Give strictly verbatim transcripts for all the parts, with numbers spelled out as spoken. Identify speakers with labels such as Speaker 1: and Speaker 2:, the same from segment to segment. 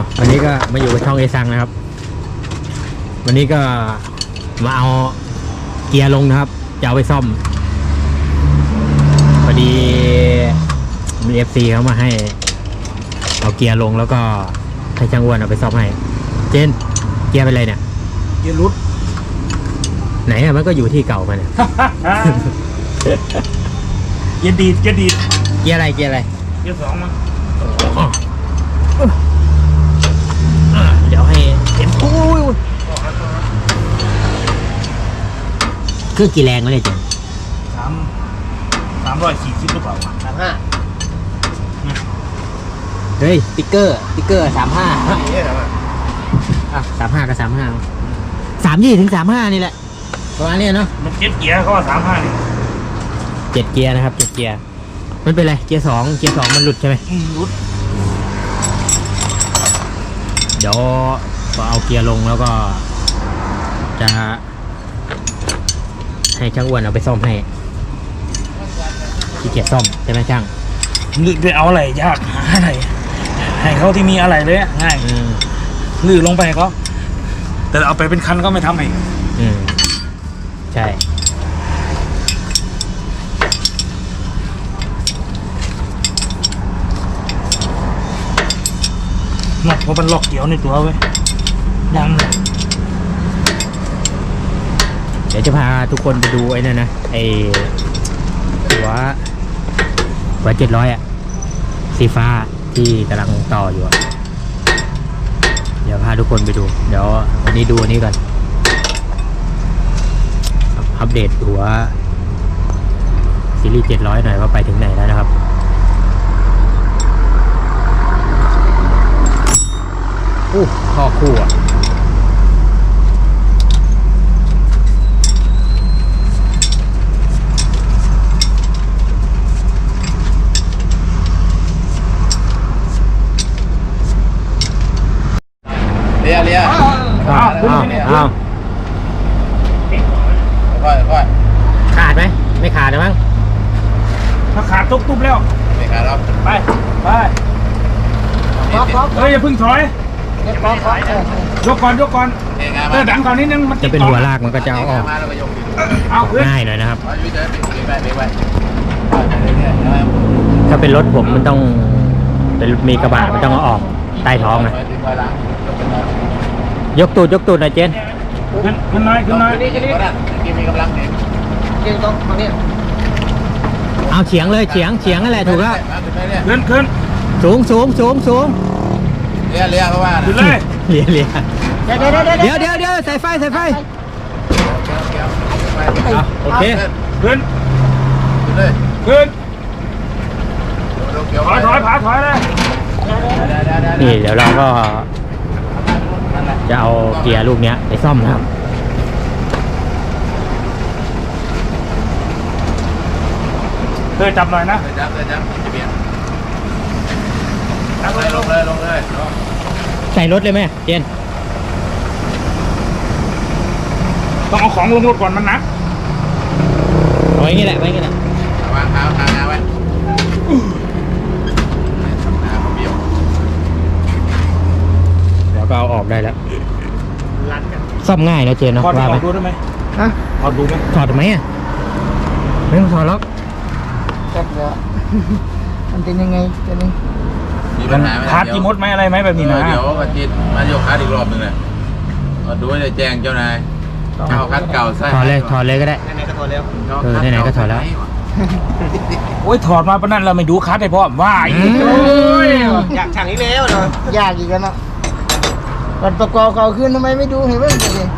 Speaker 1: วันนี้ก็มาอยู่กับช่องเอซังนะครับวันนี้ก็มาเอาเกียร์ลงนะครับจะเอาไปซ่อมพอดีมี เอฟ ซี เขามาให้เอาเกียร์ลงแล้วก็ให้ช่างอ้วนเอาไปซ่อมให้เจนเกียร์เป็นไรเนี่ย
Speaker 2: เกียร์รุด
Speaker 1: ไหนอะมันก็อยู่ที่เก่ามันเนี่ย
Speaker 2: เกียร์ดีดเกียร์ดีด
Speaker 1: เกียร์อะไรเกียร์อะไร
Speaker 2: เกียร์สองมั้ง
Speaker 1: เดี๋ยวให้เห็นโอ้ยเครื่องกี่แรงวะเนี่ยเจน
Speaker 2: สามสามร้อยสี่สิบหรือเปล่าสามห้า
Speaker 1: เฮ้ยติ๊กเกอร์ติ๊กเกอร์สามห้าอ่ะสามห้ากับสามห้าสามยี่ถึงสามห้านี่แหละประมาณนี้เนาะ
Speaker 2: มันเจ็ดเกียร์เขาว่าสามห้านี่
Speaker 1: เจ็ดเกียร์นะครับเจ็ดเกียร์มันเป็นไรเกียร์สองเกียร์สองมันหลุดใช่ไหม
Speaker 2: หลุด
Speaker 1: เดี๋ยวก็เอาเกียร์ลงแล้วก็จะให้ช่างอ้วนเอาไปซ่อมให้ขี้เกียจซ่อมใช่ไหมช่าง
Speaker 2: ลือไปเอาอะไรยากหาอะไรให้เขาที่มีอะไรเลยง่ายลือลงไปเขาแต่เอาไปเป็นคันก็ไม่ทำให้
Speaker 1: อืมใช่
Speaker 2: หนักเพราะมันล็อกเกี่ยวในตัวไว้ยัง
Speaker 1: เดี๋ยวจะพาทุกคนไปดูไอ้นั่นนะไอ้หัวหัวเจ็ดร้อยอ่ะสีฟ้าที่กำลังต่ออยู่อ่ะเดี๋ยวพาทุกคนไปดูเดี๋ยววันนี้ดูอันนี้ก่อนอัปเดตหัวซีรีส์เจ็ดร้อยหน่อยว่าไปถึงไหนแล้วนะครับอู้ข้อคู่อ่ะ
Speaker 3: เลียเลีย
Speaker 1: อ้าวอ้าวอ้าว
Speaker 3: ค่อยค่อย
Speaker 1: ขาดไหมไม่ขาดนะมั้ง
Speaker 2: ถ้าขาดตุ๊บตุ๊บแล้ว
Speaker 3: ไม่ขาดแล้ว
Speaker 2: ไปไปเฮ้ยอย่าพึ่งถอยยกก่อนยกก่อนเออดันก่อนนิดนึงมัน
Speaker 1: จะเป็นหัวลากมันก็จะเอาออกง่ายหน่อยนะครับถ้าเป็นรถผมมันต้องเป็นมีกระบะมันต้องเอาออกใต้ท้องนะยกตูดยกตูดหน่อยเจน
Speaker 2: ขึ้นขึ้นน้อยขึ้นน้อย
Speaker 3: นี่นี่มีกำลังเด็ก
Speaker 1: เจนต้องตรงนี้เอาเฉียงเลยเฉียงเฉียงนั่นแหละถูกแล้ว
Speaker 2: ขึ้นขึ้น
Speaker 1: สูงสูงสูงสูง
Speaker 3: เลียเลียเพราะว่า
Speaker 2: ขึ้นเลย
Speaker 1: เลียเลียเดี๋ยวเดี๋ยวเดี๋ยวใส่ไฟใส่ไฟโอเค
Speaker 2: ขึ้น
Speaker 3: ขึ้นเลย
Speaker 2: ขึ้นถอยถอยผาถอยเลย
Speaker 1: นี่เดี๋ยวเราก็จะเอาเกียร์ลูกนี้ไปซ่อมนะครับ
Speaker 2: เคยจับหน่อยนะ
Speaker 3: เคยจับเคยจับจะเบียดลงเลยลงเลยลงเลย
Speaker 1: ใส่รถเลยไหมเจน
Speaker 2: ต้องเอาของลงรถก่อนมันหนัก
Speaker 1: ไว้งี้แหละไว้งี้แหละ
Speaker 3: วางเท้าทางน้าไว้
Speaker 1: แล้วก็เอาออกได้แล้วซ่อมง่ายนะเจนเนาะ
Speaker 2: ว่าไหมถอดดูได้ไหมฮะถอดดูไหม
Speaker 1: ถอดไหมอ่ะไม่ต้องถอดหรอก
Speaker 4: จัดแล้วมันเป็นยังไงจะนี่
Speaker 3: มีปัญหาไหม
Speaker 2: พาร์ทกี่มดไหมอะไรไหมแบบนี้นะ
Speaker 3: เดี๋ยวมาจิตมาโยกคัดอีกรอบหนึ่งเลยดูให้ได้แจ้งเจ้านายเอาคัดเก่าใส่
Speaker 1: ถอดเลยถอดเลยก็ได้
Speaker 4: ไหนๆก็ถอดแล้ว
Speaker 1: เออไหนๆก็ถอดแล้ว
Speaker 2: โอ้ยถอดมาปะนั่นเราไม่ดูคัดให้พ่อว่า
Speaker 4: อยากช่างอีกแล้วเนาะยากอีกแล้วเนาะวันประกอบเขาขึ้นทำไมไม่ดูเห็นไหม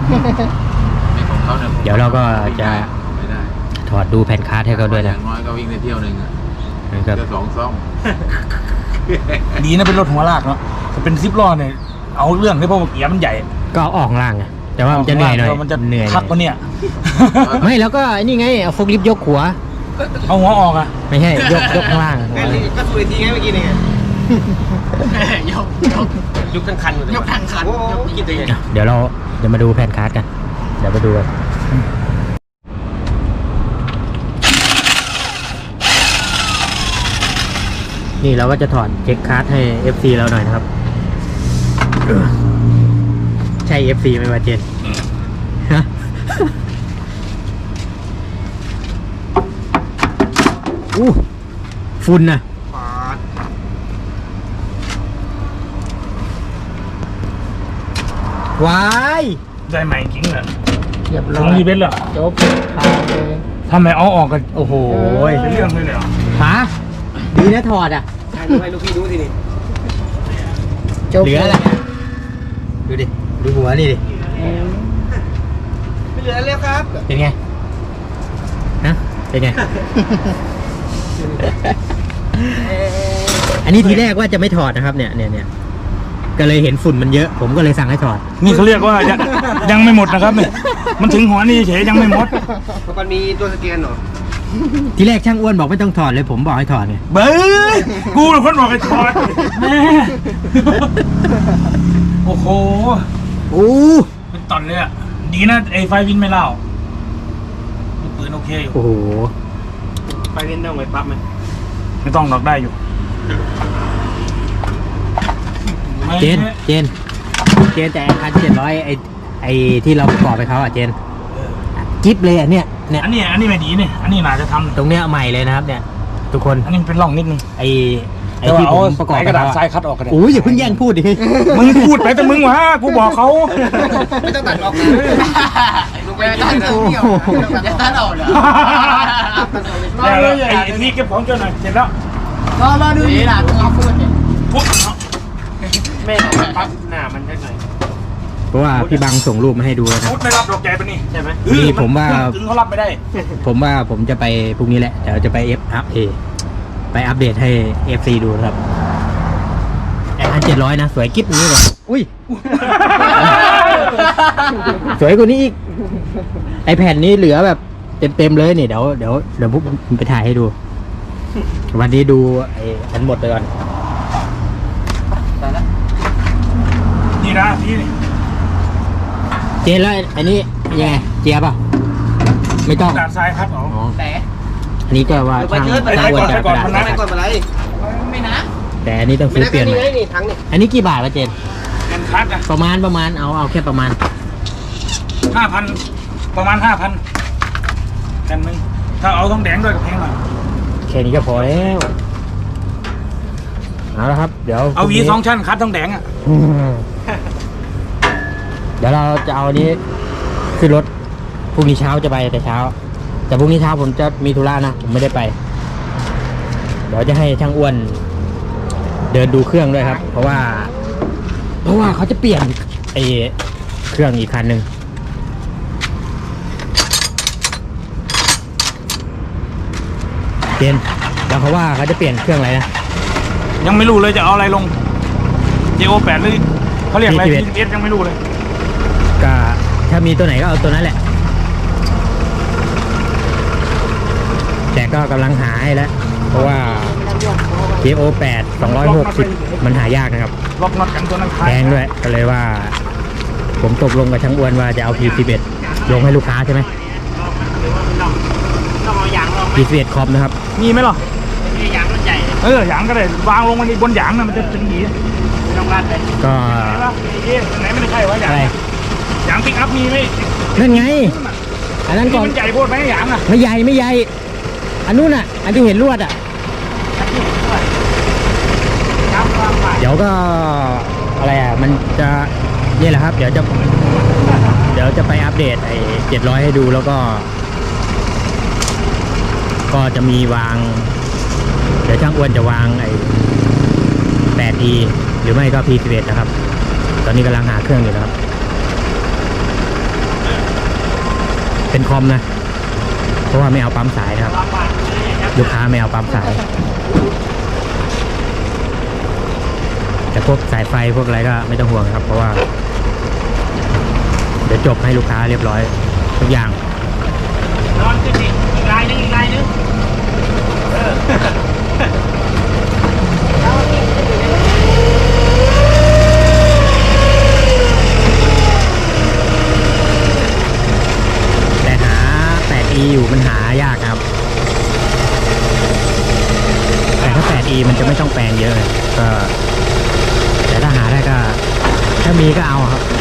Speaker 1: เดี๋ยวเราก็จะถอดดูแผ่นคาร์ดให้เขาด้วยนะ
Speaker 3: อย่างน้อยก็วิ่งในเที่ยวหนึ่งอ่ะจะสองซ่อม
Speaker 2: ดีนะเป็นรถหัวลากเนาะจะเป็นซิปล้อเนี่ยเอาเรื่องที่พวกเกียร์มันใหญ่
Speaker 1: ก็ออกล่างไงแต่ว่ามันจะเหนื่อยหน่อย
Speaker 2: มันจะ
Speaker 1: เหนื่อย
Speaker 2: ทักวะเนี่ย
Speaker 1: ไม่แล้วก็นี่ไงเอาโฟล์คลิฟต์ยกหัว
Speaker 2: เอาหัวออกอ่ะ
Speaker 1: ไม่ใช่ยกยกข้างล่าง
Speaker 4: ก็สุดทีไงเมื่อกี้นี่ยกยกยกทั้งคันยกทั้งคันคิดยังไง
Speaker 1: เดี๋ยวเราจะมาดูแผ่นคาร์ดกันเดี๋ยวไปดูกันนี่เราก็จะถอดเช็คคาร์ดให้ เอฟ ซี เราหน่อยนะครับใช่ เอฟ ซี ไหมวะเจนฮะอู้ฝุ่นน่ะวาย
Speaker 2: ได้ใหม่จริงเหรอ
Speaker 4: เรียบ
Speaker 2: ล
Speaker 4: ร้อง ย
Speaker 2: รีเบนเหรอ
Speaker 4: จบขาดเลย
Speaker 2: ทำไมเอาออกกัน
Speaker 1: โอ้โห
Speaker 2: เป็นเรื่องเลยเหรอ
Speaker 1: หาดีนะถอดอ่ะ
Speaker 5: ให้ลูกพี่ดูทีนี่
Speaker 4: จบ
Speaker 1: เหลืออะไรดูดิ ดูหัวนี่ดิ
Speaker 5: ไม่เหลือแล้วครับ
Speaker 1: เป็นไงนะเป็นไง อันนี้ทีแรกว่าจะไม่ถอดนะครับ เนี่ยเนี่ยเนี่ยก็เลยเห็นฝุ่นมันเยอะ ผมก็เลยสั่งให้ถอด
Speaker 2: นี่เขาเรียกว่ายังยังไม่หมดนะครับเนี่ยมันถึงหัวนี่เฉยยังไม่หมด
Speaker 5: มันมีตัวสแกนเหรอ
Speaker 1: ทีแรกช่างอ้วนบอกไม่ต้องถอดเลย ผมบอกให้ถอดไง
Speaker 2: เบ้ยกูเป็นคนบอกให้ถอดแม่โอ้โห
Speaker 1: โอ้
Speaker 2: เป็นตอนเลยอ่ะดีนะไอ้ไฟวินไม่เล่าปืนโอเคอยู่
Speaker 1: โอ้โห
Speaker 5: ไปเล่นต้องไปปั๊บไหม
Speaker 2: ไม่ต้องหรอกได้อยู่
Speaker 1: เจน เจน เจนแต่พันเจ็ดร้อยไอไอที่เราประกอบไปเขาอ่ะเจนจิ๊บเลยอ่ะเนี่ยเนี่ย
Speaker 2: อันนี้อันนี้ไม่ดีเนี่ยอันนี้น่าจะทำ
Speaker 1: ตรงเนี้ยใหม่เลยนะครับ เนี่ย ทุกคน
Speaker 2: อันนี้เป็นร่องนิดนึง
Speaker 1: ไอไอ
Speaker 2: แต่ว่า
Speaker 1: ที่ผ
Speaker 2: เอา
Speaker 1: มประกอบ
Speaker 2: ไอ้
Speaker 1: ไป
Speaker 2: กระดาษ
Speaker 1: เขา
Speaker 2: ทราย
Speaker 1: อะ
Speaker 2: คัดออกกันเลย
Speaker 1: โอ้ยอย่าเพิ่งแย่งพูดดิ
Speaker 2: มึงพูดไปแต่มึงวะกูบอกเขา
Speaker 5: ไม่ต้องตัดออกนะลูกไปตัดเดียวจะตัดออกเหรอ
Speaker 2: แล้วไอ้ไอ้ที่เก็บของเจ้าหน่อยเสร็จแล้ว
Speaker 4: รอรอดูดีหลังเอาพูดเนี่ย
Speaker 2: ปุ๊บเนาะ
Speaker 5: แม่เอาไปปั๊บหน้ามันจะหน่อย
Speaker 1: เพราะว่าพี่บังส่งรูปมาให้ดูแล้วนะ
Speaker 2: ปุ๊บไม่รับดอกใจไปนี่
Speaker 5: ใช่ไหม
Speaker 1: นี่ผมว่า
Speaker 2: ถึงเขารับไม่ได้
Speaker 1: ผมว่าผมจะไปพรุ่งนี้แหละเดี๋ยวจะไปเอฟอัพเอไปอัปเดตให้ เอฟ ซี ดูนะครับไอพันเจ็ดร้อยนะ สวยกิ๊บอย่างนี้เลยอุ้ย สวยกว่านี้อีก ไอแผ่นนี้เหลือแบบเต็มๆเลยนี่เดี๋ยวเดี๋ยวเดี๋ยวพวกผมไปถ่ายให้ดู วันนี้ดูไอ้อันหมดไปก่อน
Speaker 2: นี่นะพี่นี่
Speaker 1: เจนแล้วอันนี้ยังไงเจียบป่ะไม่ต้อง
Speaker 2: กระดาษทรายคัดออก
Speaker 1: อ๋อ
Speaker 5: แต่
Speaker 1: อันนี้ก็ว่าช่าง
Speaker 2: ไป
Speaker 1: ช่าง
Speaker 2: ก่
Speaker 1: อ้ว
Speaker 2: อน น
Speaker 1: จะ
Speaker 2: ไปก่อน
Speaker 1: กระดาษ
Speaker 2: มันนะ
Speaker 5: ไม่ก่อนอะไร
Speaker 4: ไม่นะ
Speaker 1: แต่อันนี้ต้อง
Speaker 5: ไม่
Speaker 1: ซื้อ
Speaker 5: ได้
Speaker 1: เปลี่ยน
Speaker 5: นี่
Speaker 1: ใหม่
Speaker 5: ไงนี่ทั้งนี่
Speaker 1: อันนี้กี่บาทวะเจน
Speaker 2: เงินคัดนะ
Speaker 1: ประมาณประมาณเอาเอาแค่ประมาณ
Speaker 2: ห้าพันประมาณห้าพันกันหนึ่งถ้าเอาทองแดงด้วยกับแพงหน่อย
Speaker 1: แค่นี้ก็พอแล้วเอาละครับ เดี๋ยว
Speaker 2: เอาหวี
Speaker 1: พรุ่นี้
Speaker 2: สองชั้นคัดทองแดงอ่ะ
Speaker 1: อืมเดี๋ยวเราจะเอาอันนี้ขึ้นรถพรุ่งนี้เช้าจะไปแต่เช้า แต่พรุ่งนี้เช้าผมจะมีธุระนะผมไม่ได้ไป เดี๋ยวจะให้ช่างอ้วน เดินดูเครื่องด้วยครับ เพราะว่า เพราะว่าเขาจะเปลี่ยนไอ้เครื่องอีกคันหนึ่งเปลี่ยนแล้วเขาว่าเขาจะเปลี่ยนเครื่องอะไรนะ
Speaker 2: ยังไม่รู้เลยจะเอาอะไรลง เจ โอ แปดหรือเขาเรียกอะไร
Speaker 1: พี
Speaker 2: พี
Speaker 1: สิบเอ็ด
Speaker 2: เอสยังไม่รู้เลย
Speaker 1: ก็ถ้ามีตัวไหนก็เอาตัวนั้นแหละ แต่ก็กำลังหาให้แล้ว เพราะว่า เจ โอ แปด สองร้อยหกสิบ มันหายากนะครับ
Speaker 2: ล็อกน็อตกันตัวนั้น
Speaker 1: แพงด้วย ก็เลยว่า ผมตกลงกับช่างอ้วนว่าจะเอา พี สิบเอ็ด ลงให้ลูกค้าใช่ไหม
Speaker 5: ต้องเอายางลง
Speaker 1: พี สิบเอ็ด คอมนะครับ
Speaker 2: มีไหมหรอ
Speaker 5: นี่ยางมันใหญ่
Speaker 2: เออหยางก็ได้วางลงมันบนหยางนะมันจะเป็นหยี
Speaker 5: ต้องรัดไป
Speaker 1: ก็
Speaker 2: ไหนล่ะเอ๊ะไหนไม่ได้ใช่วะหยาง
Speaker 1: อะไร
Speaker 2: หยางปิกอัพมีไหม
Speaker 1: นั่นไง อันนั้น
Speaker 2: นี่
Speaker 1: ก่อน
Speaker 2: มันใหญ่โคตรไหมหยางอ่ะ
Speaker 1: ไม่ใหญ่ไม่ใหญ่ อันนู้นอ่ะ อันที่เห็นลวดอ่ะ เดี๋ยวก็อะไรอ่ะ มันจะนี่แหละครับ เดี๋ยวจะ เดี๋ยวจะไปอัปเดตไอ้เจ็ดร้อยให้ดูแล้วก็ ก็จะมีวาง เดี๋ยวช่างอ้วนจะวางไอ้แปด อี หรือไม่ก็ พี สิบเอ็ด นะครับ ตอนนี้กำลังหาเครื่องอยู่นะครับ เป็นคอมนะ เพราะว่าไม่เอาปั๊มสายนะครับ ลูกค้าไม่เอาปั๊มสาย แต่พวกสายไฟพวกอะไรก็ไม่ต้องห่วงครับ เพราะว่า เดี๋ยวจบให้ลูกค้าเรียบร้อย ทุกอย่าง
Speaker 5: นอนจริงอีกลายนึงอีกลายนึง
Speaker 1: แต่หา แปด อี อยู่มันหายากนะครับ แต่ถ้า แปด อี มันจะไม่ต้องแปลงเยอะเลยก็แต่ถ้าหาได้ก็ถ้ามีก็เอาครับ